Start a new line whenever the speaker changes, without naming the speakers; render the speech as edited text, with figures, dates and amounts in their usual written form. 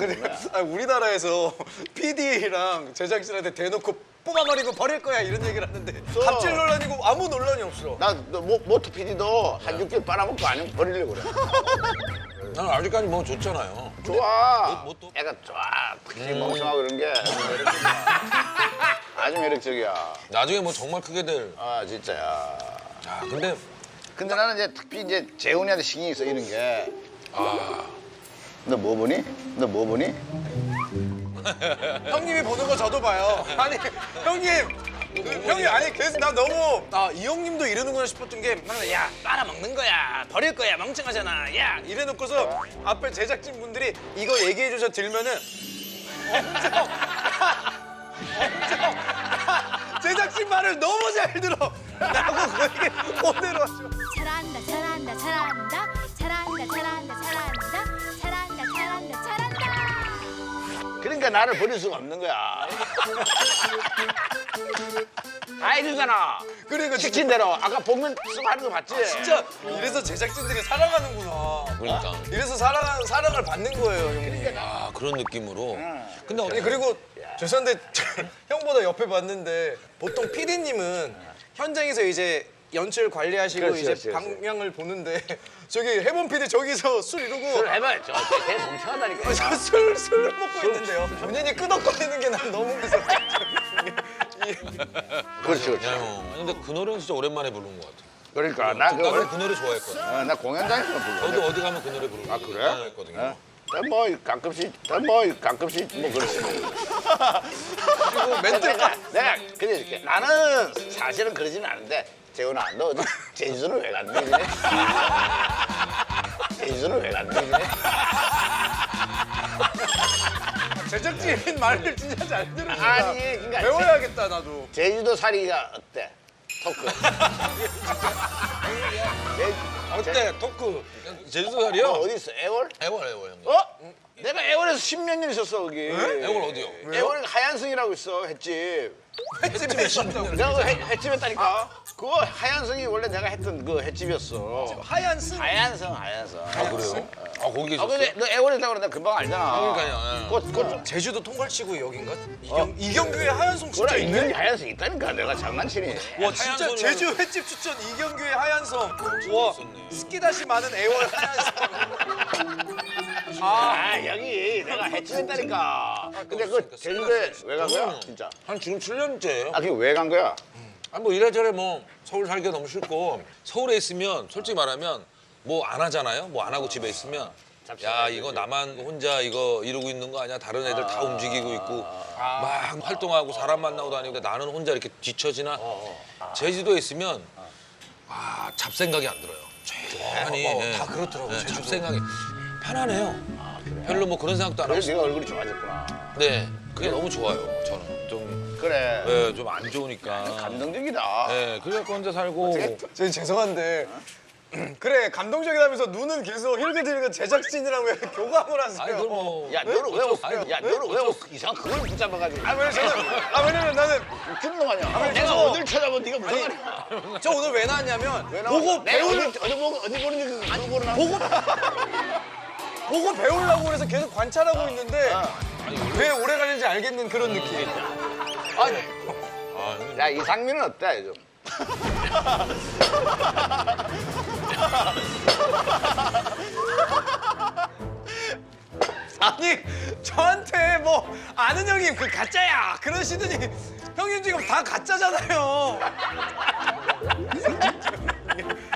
그래. 우리나라에서 PD랑 제작진한테 대놓고 뽑아버리고 버릴 거야 이런 얘기를 하는데 갑질 논란이고 아무 논란이 없어.
나 모토 PD도 한 6개월 빨아먹고 아니면 버리려고 그래.
난 아직까지 뭐 좋잖아요.
좋아.
뭐 또?
애가 좋아. 특히 멍청하고 그런 게 아주 매력적이야. 아주 매력적이야.
나중에 뭐 정말 크게 될.
아 진짜야.
아 근데
근데 나는 이제 특히 이제 재훈이한테 신경이 쓰이는 게 너 뭐 보니? 너 뭐 보니?
형님이 보는 거 저도 봐요. 아니 형님 아니 계속 나 너무 이 형님도 이러는구나 싶었던 게 맨날 야 빨아먹는 거야 버릴 거야 멍청하잖아 야 이래놓고서 앞에 제작진 분들이 이거 얘기해 주셔 들면은 엄청 제작진 말을 너무 잘 들어 라고 그에게 그대로 하죠.
잘한다 잘한다 잘한다 잘한다 잘한다 잘한다 잘한다 잘한다 잘한다.
그러니까 나를 버릴 수가 없는 거야. 다 해주잖아.
그러니까
시킨 대로. 아까 복면 쓰고 하는 거 봤지?
진짜 이래서 제작진들이 사랑하는구나.
그러니까.
이래서 사랑을 받는 거예요 형님.
아 그런 느낌으로. 근데
아니 그리고 죄송한데 형보다 옆에 봤는데 보통 PD님은 현장에서 이제 연출 관리하시고
그렇지,
이제
그렇지, 그렇지.
방향을 보는데 저기 해본 PD 저기서 술 이러고
술 해봐야죠. 걔 멍청하다니까.
술 먹고 있는데요. 본인이 끄덕거리는 게 난 너무 무서워.
그렇지, 그렇지.
야, 형. 아니, 근데 그 노래는 진짜 오랜만에 부르는 것 같아.
그러니까 나
나도
그거
그 노래 좋아했거든.
나 공연장에서 불러.
저도 어디 가면 그 노래 부르고.
아 그래?
했거든요.
뭐 가끔씩 뭐 그렇지.
그리고 멘트가
내가 그래 이렇게 나는 사실은 그러지는 않은데 재훈아 너 어디 제주도는 왜 갔니? 이래? 제주도는 왜 갔니? 이래?
제작진 말을 진짜 잘 들으니까
아니 그러니까
배워야겠다 나도.
제주도 살이가 어때? 토크.
어때? 토크. 제주도
너
살이요?
어디 있어? 애월?
애월 형님.
어? 내가 애월에서 10몇 년 있었어 거기.
애월 어디요?
애월에 하얀승이라고 있어 횟집.
횟집에 있었다고.
내가 그 횟집 했다니까. 그거 하얀승이 원래 내가 했던 그 횟집이었어.
하얀 승.
하얀승.
아 그래요? 아 거기 계셨어요?
근데 너 애월에 있다고 내가 금방 알잖아.
그러니까요.
그거
제주도 통갈치구 여긴가? 이경규의 하얀송 진짜
그래
있네.
이경이 하얀승 있다니까 내가 장난치니.
와 진짜
하얀
제주 횟집 추천 이경규의 하얀섬. 와
있었네.
스키다시 많은 애월 하얀섬.
아 여기 내가 횟집 했다니까. 근데 그 제주도에 왜 간 거야 진짜?
한 지금 7년째예요.
아 그게 왜 간 거야?
아니 뭐 이래저래 뭐 서울 살기가 너무 싫고 서울에 있으면 솔직히 말하면 뭐 안 하잖아요. 뭐 안 하고 집에 있으면 야 이거 나만 혼자 이거 이러고 있는 거 아니야? 다른 애들 다 움직이고 있고 막 활동하고 사람 만나고 다니고 나는 혼자 이렇게 뒤처지나. 제주도에 있으면 잡생각이 안 들어요. 조용하니
다 그렇더라고, 제주도.
잡생각이 편안해요. 별로 뭐 그런 생각도 안 하고.
그래서 네가 얼굴이 좋아졌구나.
네, 그게 너무 좋아요. 저는 좀
그래.
네, 좀 안 좋으니까.
감동적이다.
네, 그래갖고 혼자 살고.
저 죄송한데 그래 감동적이라면서 눈은 계속 힐끗힐끗 제작진이랑 왜 교감을 하세요?
아니, 그걸 뭐.
야 너는 왜
아니,
야 너는 왜 이상한 그걸 붙잡아가지고?
왜냐면 나는
웃기는 놈 아니야?
아니,
내가
저거-
어딜 쳐다보면 네가 무슨 말이야?
저 오늘 왜 나왔냐면
왜 나와?
보고
내가
배울
어디 보는지 그거 보러 나.
보고 배우려고 그래서 계속 관찰하고 있는데 왜 오래 가는지 알겠는 그런 느낌. 아니
아, 형님.
야 이상민은 어때 요즘?
아니 저한테 뭐 아는 형님 그 가짜야 그러시더니 형님 지금 다 가짜잖아요.